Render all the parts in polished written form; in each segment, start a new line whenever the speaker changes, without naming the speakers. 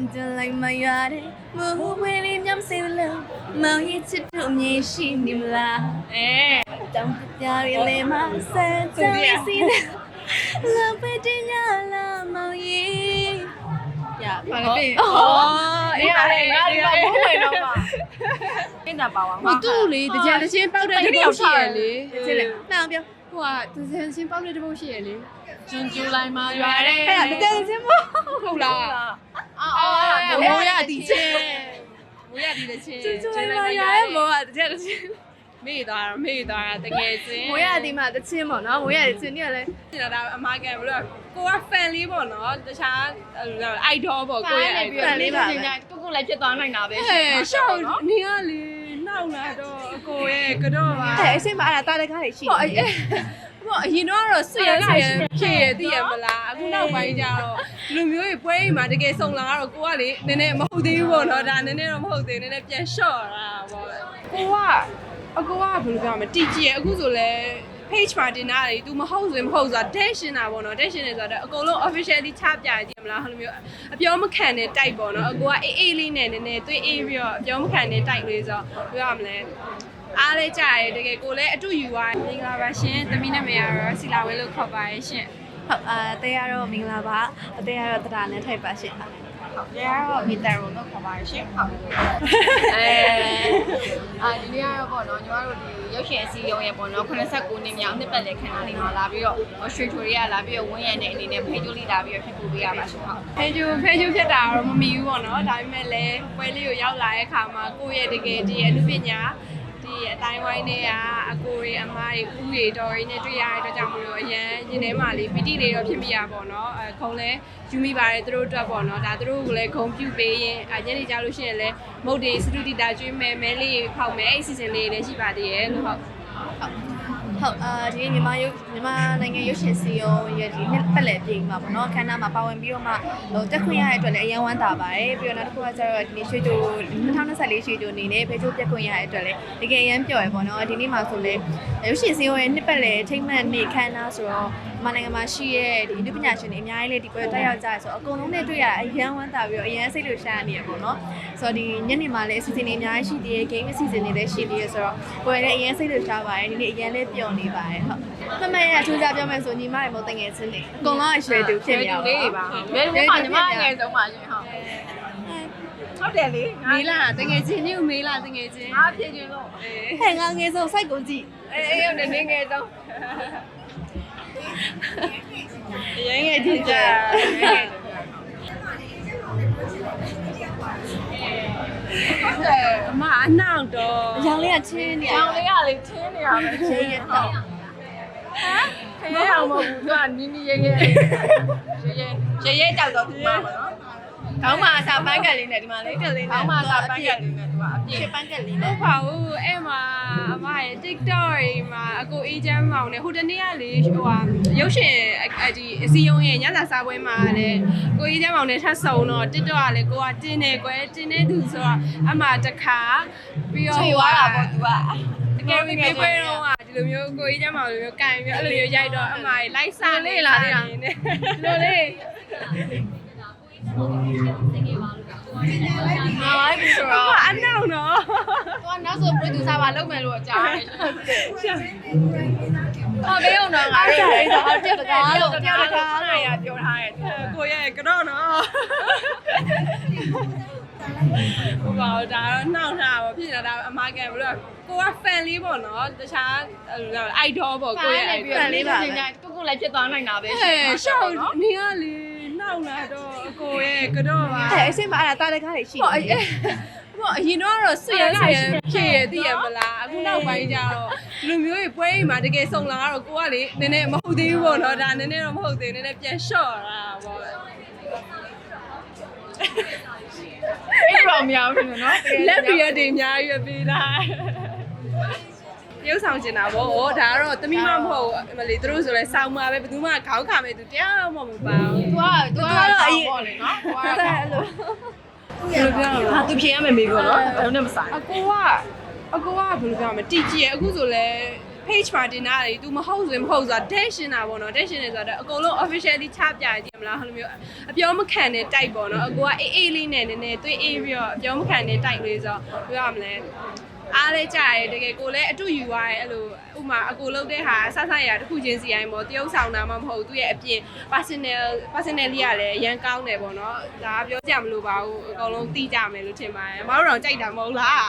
就来满月的，我会里面谁了？毛一起都没洗你们啦。哎，当不掉的泪马赛，当你心的，浪费的呀啦毛衣。呀，把它变哦，哎呀，
不会的嘛。跟着包
我肚里的家的先包在这包鞋里，这里那边。哇，之前包在这包鞋里。
珍珠来嘛，原
哎呀，
来。
这家的先包好啦。啊，冇呀地钱，冇呀地的錢。珍珠嚟嘛，呀冇啊，這個錢。
မေ့သွားတာတကယ်ချင်း
冇呀地嘛，的錢冇နော်，冇呀的錢你咧。
ကျတော့ဒါအမကဘလို့ကိုက fan လေးပေါ့နော်တခြား idol ပေါ့ကိုရဲ့ idol
လေးပါပဲ
ကိုလည်းဖြစ်သွားနိုင်တာပဲ
ဟဲ့ရှောက်နေရလေနောက်လာတော့အကိုရဲ့ကတော့ပါဟဲ့အစိမ့်မအဲ့ဒါတားတဲ့ကားတွေရှိတယ်ပေါ့အရင်တော့ဆွေရဖြစ်ရသိရမလားအခုနောက်ပိုင်းကျတော့လူမျိုးတွေပွဲအိမ်မှာတကယ်စုံလာတော့ကိုကလေနည်းနည်းမဟုတ်သေးဘူးပေါ့နော်ဒါနည်းနည်းတော့မဟုတ်သေးနည်းနည်းပြန်လျှော့တာပေါ့အကိုကဘယ်လိုပြောမလဲတီကြည့်ရအခုဆိုလဲ page မှာတင်တာလေ तू မဟုတ်ဆိုရင်မဟုတ်ဆိုတာ dash ရှင်းတာပေါ့နော် dash ရှင်းနေဆိုတော့အကုန်လုံး officially ချပြကြည့်မလားဟိုလိုမျိုးအပြောမခံတဲ့ type ပေါ့နော်အကိုကအေးလေးနဲ့နည်းနည်းသွေးအေးပြီးတော့အပြောမခံတဲ့ type လေးဆိုတော့ပြောရမလဲအားလေးကြရဲတကယ်ကိုလည်းအတူယူသွားမင်္ဂလာပါရှင်သမီးနာမည်ကတော့စီလာဝဲလို့ခေါ်ပါရဲ့ရှင်ဟုတ်တဲရတော့မင်္ဂလာပါတဲရတော့တရာနဲ့ထိုက်ပါရှင်ဟုတ်
တရားမီတာရုံတော့ခေါ်ပါရှင်ဟုတ်ဒီနေ့ကတော့ပေါ့နော်ညီမတို့ဒီရုပ်ရှင်အစည်းအရုံးရဲ့ပေါ့နော်89နှစ်မြောက်နှစ်ပတ်လည်ခန်းလေးမှာလာပြီးတော့ရွှေချိုတွေကလာပြီးတော့ဝင်းရံတဲ့အနေနဲ့ဖိတ်ကြိုးလေးလာပြီးတော့ဖြစ်ပူပေးရပါရှင်ဟုတ်ဖိတ်ကြိုးဖြစ်တာတော့မမီဘူးပေါ့နော်ဒါပေမဲ့လည်းပွဲလေးကိုရောက်လာတဲ့အခါမှာကိုယ့်ရဲ့တကယ်ဒီအမှုပညာဒီအတိုင်းဝိုင်းတွေကအကိုတွေအမားတွေဦးတွေတော်တွေနဲ့တွေ့ရတဲ့အတွက်ကြောင့်မလို့အရန်ရင်ထဲမှာလေးပီတိလေးတော့ဖြစ်မိရပေါ့နော်ခုံလဲယူမိပါတယ်သူတို့အတွက်ပေါ့နော်ဒါသူတို့ကိုလည်းဂုံပြုပေးရင်ညနေကြလို့ရှိရင်လည်းမုတ်တွေစတူဒီတာကျွေးမဲမဲလေးဖောက်မဲအဲ့စီစဉ်လေးလည်းရှိပါသေးရဲ့လို့ဟုတ်
ဒီမြန်မာနိုင်ငံရုပ်ရှင်စီယုံရဲ့ဒီနှစ်ပတ်လည်ပြင်မှာပေါ့နော်ခန်းနာမှာပါဝင်ပြီးတော့မှဟိုတက်ခွင့်ရတဲ့အတွက်လည်းအရင်ဝမ်းသာပါတယ်ပြီးတော့နောက်တစ်ခုကကျတော့ဒီနေ့ရွှေချို2024ရွှေချိုအနေနဲ့ဖေချိုးပြက်ခွင့်ရတဲ့အတွက်လည်းတကယ်အရင်ပျော်ရပေါ့နော်ဒီနေ့မှာဆိုလည်းရုပ်ရှင်စီယုံရဲ့နှစ်ပတ်လည်ထိမ့်မှန်နေ့ခန်းနာဆိုတော့မြန်မာနိုင်ငံမှာရှိရဲ့ဒီလူပညာရှင်တွေအများကြီးလေးဒီပွဲတက်ရောက်ကြရဆိုတော့အကုန်လုံးနဲ့တွေ့ရအရင်ဝမ်းသာပြီးတော့အရင်စိတ်လှုပ်ရှားနေရပေါ့နော်ဆိုတော့ဒီညနေမှာလည်းအစီအစဉ်တွေအများကြီးရှိသေးတယ် game အစီအစဉ်တွေလည်းရှိသေးတယ်ဆိုတော့ပွဲလည်းအရင်စိတ်လှုပ်ရှားပါတယ်ဒီနေ့အရင်လေးပျော်နေပါတယ်ဟုတ်မမရဲ့အထူးခြားပြောမယ်ဆိုညီမတွေမဟုတ်တငယ်ချင်းတွေအကုန်လုံးအရွယ်တူဖြစ်နေရပါဘူး
လေးပါဘယ်လိုမှညီမငယ်ဆုံးပါရှင်ဟုတ်တယ်လေ
မေးလားတငယ်ချင်းညို့မေးလားတငယ်ချင်း
အားဖြည့်ခြင်းလို့
ဟဲ့ငါငယ်ဆုံးစိုက်ကုန်ကြည့်
အေးရုံနဲ့ငယ်ဆုံး
ရငယ်ချင်းကြ
အမအနောက်တော့
အရောင်လေးကချင်းနေ
ရောင်လေးကလေချင်းနေရမယ်
ချင်းရတော့
ခဲအောင်မဟုတ်ဘူးသူကနီးနီးရဲကြောက်တော့သူမှာပေါ့နော်
ခေါင်းမှာအစာပန်းကက်လေးနဲ့ဒီမှာလေးကလေးနဲ့
ခေါင်းမှာအစာပန်းကက်လေးနဲ့သူကအပြည့်
ပန်းကက်လေးနဲ့
ဟုတ်ပါဘူးအဲ့မှာအမရဲ့ TikTok တွေမှာအကိုအေးချမ်းမောင်နဲ့ဟိုတနေ့ကလေဟိုဟာရုပ်ရှင်ဒီအစီယုံရဲ့ညစာစားပွဲမှာလည်းကိုအေးချမ်းမောင်နဲ့ထပ်ဆုံတော့ TikTok ကလည်းကိုကတင်းနေကွယ်တင်းနေသူဆိုတော့အမတခါပြီးတော့
ချွေသွားတာပေါ့သူက
တကယ်ပြီးပြေးပွဲတော့ဒီလိုမျိုးကိုကြီးကျမလိုမျိုးကန်ပြီးအဲ့လိုမျိုးရိုက်တော့အမကြီးလိုက်စားလေးလာသေးတာလိုလေး
ဟာပြီဆိုတော့
အနောက်တော့
သူကနောက်ဆို producer ပါလုပ်မယ်လို့ကြားတယ်
ဟောဘေးအောင်တော့ငါတို့
အဲ့ဒါတယောက်တကားလို့
တယောက်တကားလို့ရပြောထားတယ်ကိုရဲ့ကတော့နော်ဟိုပါဒါတော့နှောက်တာပေါ့ဖြစ်နေတာအမကန်ဘလို့ကိုက fan လေးပေါ့နော်တခြား idol ပေါ့ကိုရဲ့
fan လေးပါပဲ
ကိုလည်းဖြစ်သွားနိုင်တာပဲ
ရှင်ဟဲ့ရှောက်နေရလေ
နောက်လာတော့အကိုရဲ့ကတော့ပါ
ဟဲ့အစိမ့်မအဲ့ဒါတားတဲ့ကားတွေရှိတယ်
ပေါ့အရင်တော့ဆွေရဖြစ်ရသိရမလားအခုနောက်ပိုင်းကျတော့လူမျိုးတွေပွဲအိမ်မှာတကယ်စုံလာတော့ကိုကလေနည်းနည်းမဟုတ်သေးဘူးပေါ့နော်ဒါနည်းနည်းတော့မဟုတ်သေးနည်းနည်းပြန်လျှော့တာပေါ့
အဲ့တော့မရဘူးနော်
လက်ပြရတွေအများကြီးပေးတာရုပ်ဆောင်ကျင်တာပေါ့။ဒါကတော့သမီးမမဟုတ်ဘူး။မလီသူတို့ဆိုလဲစောင်းမှာပဲဘယ်သူမှခေါင်းခါမဲ့သူတရားမှမပါဘူး။
तू ကတော့အရင်
ပေါ့လေနော်။
तू ကတော့အဲ့လို
ဘယ်လိုပြောလဲ
။ဟာ तू ဖြေရမယ်မေးကောနော်။ဘယ်နဲ့မဆိုင်
။အကိုကဘယ်လိုပြောမလဲတီကြည့်ရအခုဆိုလဲ
page မှာတင်တာလေ तू မဟုတ်ဆိုရင်မဟုတ်ဆိုတာ dash ရှင်းတာပေါ့နော် dash ရှင်းနေဆိုတော့အကုန်လုံး officially ချပြရကြည့်မလားဟိုလိုမျိုးအပြောမခံတဲ့ type ပေါ့နော်အကိုကအေးလေးနဲ့နည်းနည်းသွေးအေးပြီးတော့အပြောမခံတဲ့ type လေးဆိုတော့ပြောရမလဲအားလဲကြရဲတကယ်ကိုလည်းအတူယူသွားရဲအဲ့လိုဥမာအကိုလုပ်တဲ့ဟာဆဆရတစ်ခုချင်းစီတိုင်းပေါ့တရုပ်ဆောင်တာမှမဟုတ်သူ့ရဲ့အပြင် personally ကလည်းရန်ကောင်းတယ်ပေါ့နော်ဒါပြောကြမလို့ပါဘူးအကုန်လုံးသိကြမယ်လို့ထင်ပါတယ်မတို့တော့ကြိုက်တာမဟုတ်လား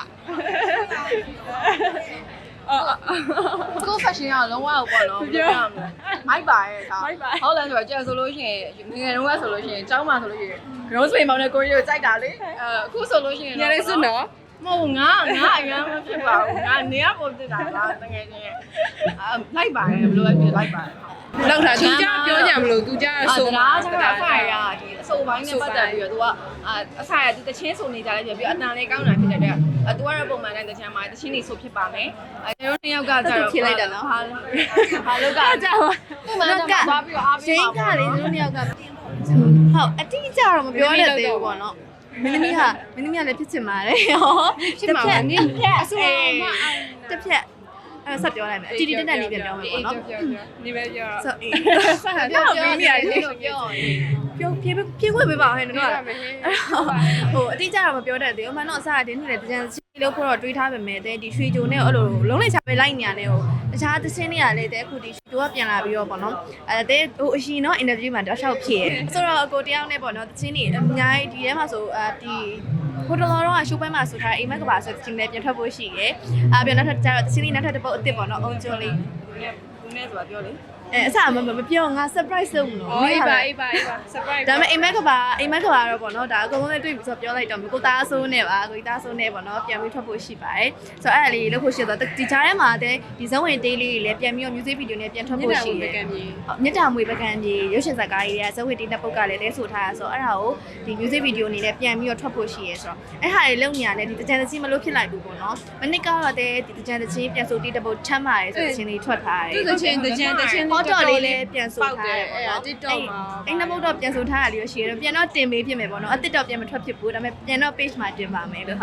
ကို fashion ကလုံးဝပေါ့နော်ပြောရမလဲမိုက်ပါရဲ့ဒါဟုတ်လားဆိုတော့ကျန်ဆိုလို့ရှိရင်ငယ်တုန်းကဆိုလို့ရှိရင်ကျောင်းမှာဆိုလို့ရှိရင် rose pay မောင်နဲ့ကိုရီကိုကြိုက်တာလေအခုဆိုလို့ရှိရင်
ညလေးစွနော်
မဟုတ်ငါအရင်မဖြစ်ပါဘူးငါနေရပုံတက်တာလားတကယ်ချင်းလိုက်ပါတယ်ဘယ်လိုလဲပြလိုက်ပါတယ်
လောက်တာသူကြပြောကြမလို့သူကြဆို
တာကျတော့အဖိုင်ရဒီအစိုးပိုင်းနဲ့ပတ်သက်ပြီးတော့ तू ကအဖိုင်ရ तू တချင်းဆိုနေကြတယ်ပြီးတော့အတန်လေးကောင်းတာဖြစ်တဲ့အတွက် तू ကတော့ပုံမှန်တိုင်းတချင်းမှာတချင်းနေဆိုဖြစ်ပါမယ်ကျွန်တော်နှစ်ယောက်ကကြတော့
ဖြစ်လိုက်တယ်နော်
ဟာလောက်က
ကြောက်
ပုံမှန်တိုင်းသွားပြီးတော့အားပေးပါ
ရှင်းကလေသူတို့နှစ်ယောက်ကဟုတ်အတိအကျတော့မပြောရသေးဘူးပေါ့နော်မင်းသမီးလည်းဖြစ်ချင်ပါတယ်ဟော
ဖြစ်မှာပါနင်းအဆူမ
တစ်ဖြက်အဲ့ဆက်ပြောလိုက်မယ်အတီတီတက်တက်လေးပြန်ပြောမယ်ပေါ့နော်
ဒီပဲပြောတော့
ဆို
ပြောပြီးရတယ်လို့ပြော
ပြေခွင့်ပေးပါဟဲ့နော်ဟိုအတိအကျတော့မပြောတတ်သေးဘူးအမှန်တော့အစားတင်းနေတယ်တကြံစီလို့ဖို့တော့တွေးထားပေမဲ့တဲ့ဒီရွှေကြိုနဲ့အဲ့လိုလုံးလိုက်ချပဲလိုက်နေရတယ်ဟိုတခြားသင်းတွေကလည်းတဲ့အခုဒီရွှေကြိုကပြန်လာပြီးတော့ပေါ့နော်တဲ့ဟိုအရှင်တော့ interview မှာတောက်လျှောက်ဖြစ်ရဲဆိုတော့အကိုတယောက်နဲ့ပေါ့နော်သင်းတွေအများကြီးဒီထဲမှာဆိုဒီဟိုတလောတော့ရှိုးပွဲမှာဆိုထားအိမ်မက်ကပါဆိုသင်းလည်းပြန်ထွက်ဖို့ရှိရဲပြန်နောက်ထပ်ကျတော့သင်းလေးနောက်ထပ်တစ်ပုတ်အစ်စ်ပေါ့နော်အုံကျုံလေး
ဘူးနဲ့ဆိုတာပြောလေ
အစမပြောငါ surprise လုပ်မလို့
အေးပါ surprise
ဒါပေမဲ့အိမ်မက်ကပါတော့ပေါ့နော်ဒါအကုန်လုံးနဲ့တွေ့ပြီဆိုတော့ပြောလိုက်တော့ကိုသားဆိုးနဲ့ပါကိုသားဆိုးနဲ့ပေါ့နော်ပြန်ပြီးထွက်ဖို့ရှိပါတယ်ဆိုတော့အဲ့ဒါလေးလုပ်ဖို့ရှိတော့ဒီကြားထဲမှာဒီဇုံဝင် daily လေးလည်းပြန်ပြီးတော့ music video နဲ့ပြန်ထွက်ဖို့ရှိတယ်မြတ်တာမွေပကံကြီးရုပ်ရှင်ဇာတ်ကားကြီးတွေကဇုံဝင် daily ပုတ်ကလည်းတဲဆိုထားရဆိုတော့အဲ့ဒါကိုဒီ music video အနေနဲ့ပြန်ပြီးတော့ထွက်ဖို့ရှိရဲဆိုတော့အဲ့ဟာလေးလုပ်နေရတယ်ဒီတကြံတချင်းမလို့ဖြစ်လိုက်ဘူးပေါ့နော်မနစ်ကတော့ဒီတကြံတချင်းပြန်ဆိုတီးတပုတ်ထမ်းပါတယ်ဆိုတဲ့ချင်းလေးထွက်ထားတယ်
တချင်း
ဟောတော့လေးလည်းပြန်ဆိုထားတယ်ပေါ့နော်
TikTok မှာ
အဲ့နှစ်ပုတ်တော့ပြန်ဆိုထားရလေးရှိရတော့ပြန်တော့တင်ပေးဖြစ်မယ်ပေါ့နော်အတစ်တော့ပြန်မထွက်ဖြစ်ဘူးဒါပေမဲ့ပြန်တော့ page မှာတင်ပါမယ်လို့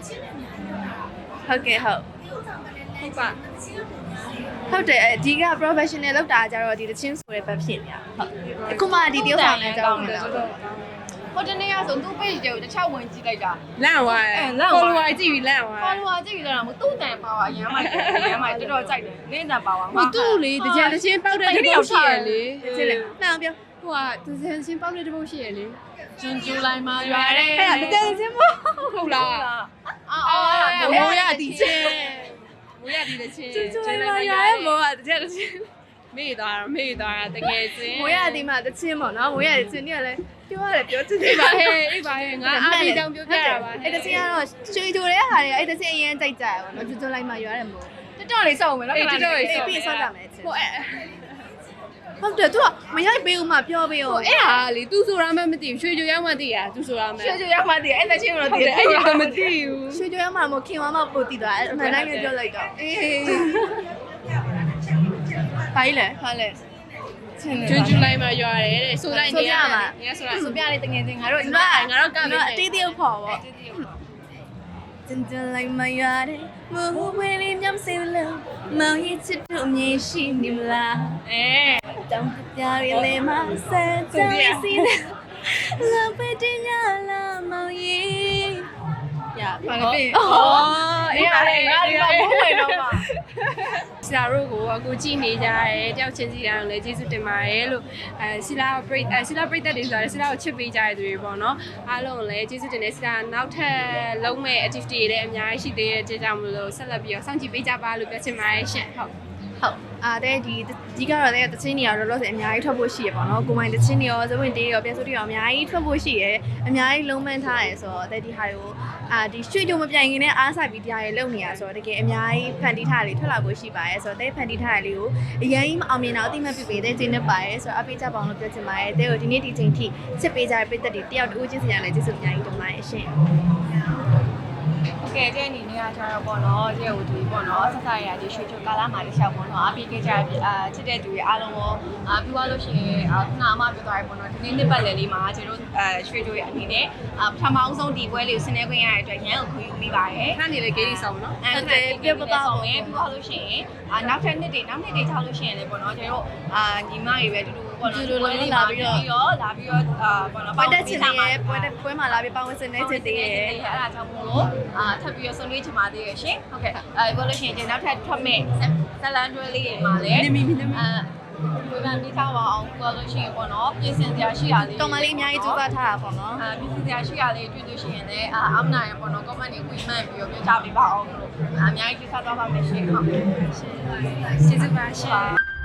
ဟုတ်ကဲ့ဟုတ်
ပါ
ဟုတ်တယ်အဒီက professional လောက်တာကြတော့ဒီတချင်းဆိုတဲ့ဘက်ဖြစ်နေတာဟုတ်အခုမှဒီတယောက်ဆောင်နေကြတော့
ဟိုတနေ့ကဆိုသူ့ page တွေကိုတစ်ချောက်ဝင်ကြည့်လိုက်တာ
လန့်သွားတယ် follower ကြည့်ပြီးလန့်သွား
follower ကြည့်ပြီးတော့သူ့တန်ပါဝါအရမ်းမိုက်တော်တော်ကြိုက်တယ်နင်းတန်ပါဝါ
မသူ့လေတကြံတချင်းပေါက်တဲ့တပုတ်ရှိရလေ
ဖြစ်လေမှန်ပြော
ဟိုကတကြံချင်းပေါက်တဲ့တပုတ်ရှိရလေ
ကျွန်းကျူလိုက်မှာရွာတယ်
အဲ့ဒါတကြံချင်းမ
ဟုတ်လားမိုးရတီချင်းမိုးရတီတဲ့ချင်း
ကျွန်းလိုက်မှာရွာရဲ့မိုးကတကြံချင်း
မေ့သွားတကယ်ချင်း
မိုးရတီမှာတချင်းပေါ့နော်မိုးရတီချင်းเนี่ยလဲပြောရတယ်ပြောချင်တယ်
ပါဟဲ့အေးပါဟဲ့ငါအားပေးကြောင်ပြောပြတာပါ
အဲ့တချင်းကတော့ရွှေကြိုတဲ့ဟာတွေအဲ့တချင်းအရင်ကြိုက်ကြရပါတော့ကျွန်းလိုက်မှာရွာတယ်မို့
တော်လေးစောက်မယ်နော်
တော်လေးစောက်ပြီးစောက်ကြမယ်ဟိုအဲ့ဟုတ်တယ်သူကမရိုက်ပေးဦးမှပြောပေးဦး
အဲ့ဟာလေ तू ဆိုတာမှမသိဘူးရွှေကြိုရောက်မှသိရ तू ဆိုတာမှ
ရွှေကြိုရောက်မှသိအဲ့တချင်းတော့သိတယ်
အဲ့ဒါမသိဘူး
ရွှေကြိုရောက်မှမခင်မမပို့တည်သွားအမှန်တိုင်းပဲပြောလိုက်တော့အေးဖိုင်လေ
ကျွန်းကျူလိုက်မှရွာတယ်တဲ့ဆိုလိုက်နေရမှာ
ငါဆိုပြလေးတငယ်ချင်းငါတို့
ကမယ်အတီးတီးခေါ်ပေါ့真的来嘛呀的，我为你娘生了，毛一次都没心你们啦。哎，当不掉的泪嘛，三张心的，浪费掉了毛衣。呀，放个屁。
哦，哎呀，我不会了嘛。
ဆီလာတို့ကိုအခုကြည့်နေကြတယ်တယောက်ချင်းစီတိုင်းလည်းကျေးဇူးတင်ပါတယ်လို့ဆီလာပရိသတ်တွေဆိုတော့ဆီလာကိုချစ်ပေးကြတဲ့သူတွေပေါ့နော်အားလုံးလည်းကျေးဇူးတင်တယ်ဆီလာနောက်ထပ်လုံးမဲ့ activity တွေလည်းအများကြီးရှိသေးတဲ့ကြောင့်မလို့ဆက်လက်ပြီးတော့စောင့်ကြည့်ပေးကြပါလို့ပြောချင်ပါတယ်ရှင်ဟုတ်
ဒီကတော့လည်းတချင်းတွေရောလောလောဆယ်အများကြီးထွက်ဖို့ရှိရပေါ့နော်ကိုမိုင်းတချင်းတွေရောဇဝင်တေးရောပြန်ဆိုတွေရောအများကြီးထွက်ဖို့ရှိရအများကြီးလုံးမန်းထားရဆိုတော့ဒီဟာကိုဒီရွှေကြုံမပြိုင်ခင်နဲ့အားဆိုင်ပြီးတရားတွေလုပ်နေရဆိုတော့တကယ်အများကြီးဖန်တီးထားတွေထွက်လာဖို့ရှိပါရဲ့ဆိုတော့ဖန်တီးထားတွေလေးကိုအရင်ကြီးမအောင်မြင်တော့အတိမတ်ပြပေးတဲ့ခြင်းနဲ့ပါရဲ့ဆိုတော့အပေးကြပါအောင်လို့ပြောချင်ပါတယ်တဲ့ကိုဒီနေ့ဒီချိန်ထိချစ်ပေးကြတဲ့ပြည်သက်တွေတယောက်တူချင်းစီရလည်းကျေးဇူးအများကြီးတင်ပါတယ်ရှင်
ကဲတဲ့အနေနဲ့ကကျတော့ပေါ့နော်တဲ့ဟိုဒီပေါ့နော်ဆက်ဆက်ရဒီရွှေချိုကာလာမှာတခြားပေါ့နော်အပေးခဲ့ကြချစ်တဲ့သူတွေအားလုံးရောပြီးသွားလို့ရှိရင်ခုနအမပြောသွားပြီပေါ့နော်နှစ်ပတ်လည်လေးမှာကျွန်တော်ရွှေချိုရဲ့အနေနဲ့ပထမအောင်ဆုံးဒီပွဲလေးကိုဆင်နွှဲခွင့်ရတဲ့အတွက်ရန်ကိုခွင့်ယူမိပါတယ်
ခဏနေလေဂိမ်းဆောင်နော်
ပြပပါအောင်ပြီးတော့လို့ရှိရင်နောက်ထပ်နှစ်တွေကြောက်လို့ရှိရင်လည်းပေါ့နော်ကျွန်တော်ညီမတွေပဲတူပေါ့နော်လာပြီးတော့ပေါ့နော်
ပတ်သက်ချင်တယ်ပွဲမှာလာပြီးပေါင်းဝင်စနေချင်တယ်
အဲ့ဒါကြောင့်မို့လို့ထပ်ပြီးတော့ဆွေးနွေးချင်ပါသေးရဲ့ရှင်ဟုတ်ကဲ့ပြောလို့ရှိရင်ကျွန်တော်နောက်ထပ်ထွက်မဲ့ဇလန်တွဲလေးတွေမှာလည်းဝေဖန်ပြီးထားပါအောင်ပြောလို့ရှိရင်ပေါ့နော်ပြင်ဆင်စရာရှိရလေး
တော်မလေးအများကြီးစူးစမ်းထားတာပေါ့နော်
ပြင်ဆင်စရာရှိရလေးတွေ့လို့ရှိရင်လည်းအမနာရပေါ့နော် comment တွေဝင်မှန်ပြီးတော့ပြောကြပေးပါအောင်လို့အများကြီးစူးစမ်းသွားပါမယ်ရှင်ဟုတ်
ကျေးဇူးပါရှင်